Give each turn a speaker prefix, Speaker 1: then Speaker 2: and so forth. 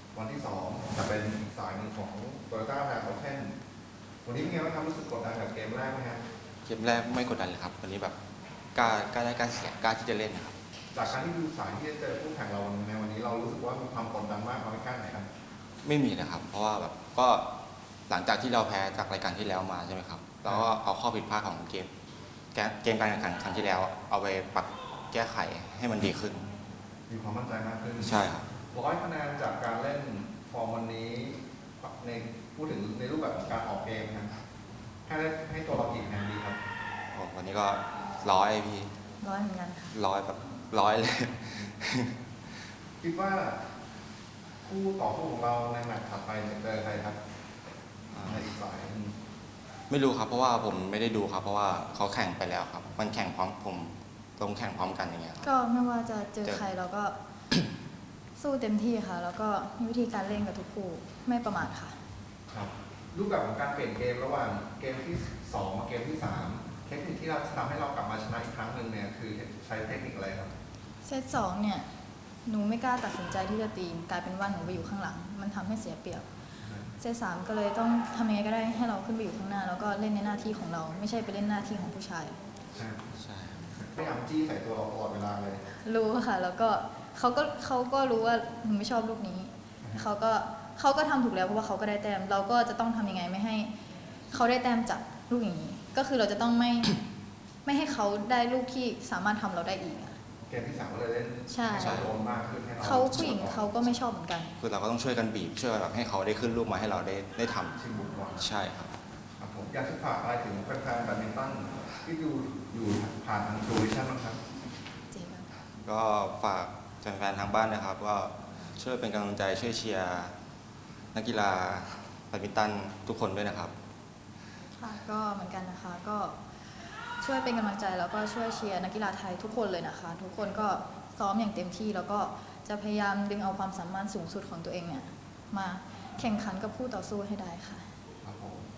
Speaker 1: วันที่2จะเป็นอีกสายหนึ่งของโตโยต้าแบรนด์เอาเช่นวันนี้เป็นไงบ้างครับรู้สึกกดดันกับเกมแรกไหมครับ
Speaker 2: เกมแรกไม่กดดันเลยครับวันนี้แบบกล้าได้กล้าเสียกล้าที่จะเล่นนะครับ
Speaker 1: จากการที่ดูสายที่จะเจอคู่แข่งเราในวันนี้เรารู้สึกว่ามีความกดดันมากน้อยแค่ไหนครับ
Speaker 2: ไม่มีนะครับ เพราะว่าแบบก็หลังจากที่เราแพ้จากรายการที่แล้วมาใช่ไหมครับเราก็เอาข้อผิดพลาดของเกมการแข่งขันครั้งที่แล้วเอาไปปรับแก้ไขให้มันดีขึ้น
Speaker 1: มีความมั่นใจมากขึ้น
Speaker 2: ใช่ครับ
Speaker 1: 100 คะแนนจากการเล่นฟอร์มวันนี้ในพูดถึงในรูปแบบของการออกเกมนะครับให้ตัวเรากี่คะแนนดีครับ
Speaker 2: วันนี้ก็100พี่
Speaker 3: 100เหมือนกันค่ะ
Speaker 2: 100แบบ100เลย
Speaker 1: คิดว่าคู่ต่อสู้ของเราในแมตช์ถัดไปจะเจอใครครับในอีกสาย
Speaker 2: ไม่รู้ครับเพราะว่าผมไม่ได้ดูครับเพราะว่าเขาแข่งไปแล้วครับมันแข่งพร้อมผมลงแข่งพร้อมกันอย่างเงี้ย
Speaker 3: ก็ไม่ว่าจะเจอใครเราก็ สู้เต็มที่ค่ะ แล้วก็มีวิธีการเล่นกับทุกคู่ไม่ประมาทค่ะ
Speaker 1: ครับรูปแบบของการเปลี่ยนเกมระหว่างเกมที่2กับเกมที่3เทคนิคที่เราทำให้เรากลับมาชนะอีกครั้งหนึ่งเนี่ยคือใช้เทคนิคอะไรครับ
Speaker 3: เซต2เนี่ยหนูไม่กล้าตัดสินใจที่จะตีกลายเป็นว่าหนูไปอยู่ข้างหลังมันทำให้เสียเปรียบเซต3ก็เลยต้องทำยังไงก็ได้ให้เราขึ้นไปอยู่ข้างหน้าแล้วก็เล่นในหน้าที่ของเราไม่ใช่ไปเล่นหน้าที่ของผู้ชาย
Speaker 2: ใช่
Speaker 1: พยายามจี้ใส่ตัวเราตลอดเวลาเลย
Speaker 3: รู้ค่ะแล้วก็เขาก็รู้ว่าหนูไม่ชอบลูกนี้เขาก็ทำถูกแล้วเพราะว่าเขาก็ได้แต้มเราก็จะต้องทำยังไงไม่ให้เขาได้แต้มจากลูกอย่างนี้ก็คือเราจะต้องไม่ให้เขาได้ลูกที่สามารถทำเราได้อีก
Speaker 1: เกมที่3ก็เลยเล่น
Speaker 3: ใช่
Speaker 1: โดนมากขึ้นให้
Speaker 3: เขาผู้หญิงเขาก็ไม่ชอบเหมือนกัน
Speaker 2: คือเราก็ต้องช่วยกันบีบช่วยแบบให้เขาได้ขึ้นลูกมาให้เราได้ท
Speaker 1: ชิงบุกบอล
Speaker 2: ใช่ครับ
Speaker 1: ผมอยากจะฝากอะไรถึงแฟนๆแบดมินตันที่ดูอยู่ผ่านทางโซลูชันบ้างครับ
Speaker 2: ก็ฝากแฟนๆทางบ้านนะครับก็ช่วยเป็นกำลังใจช่วยเชียร์นักกีฬาแบดมินตันทุกคนด้วยนะครับ
Speaker 3: ค่ะก็เหมือนกันนะคะก็ช่วยเป็นกำลังใจแล้วก็ช่วยเชียร์นักกีฬาไทยทุกคนเลยนะคะทุกคนก็ซ้อมอย่างเต็มที่แล้วก็จะพยายามดึงเอาความสามารถสูงสุดของตัวเองเนี่ยมาแข่งขันกับคู่ต่อสู้ให้ได้ค่ะ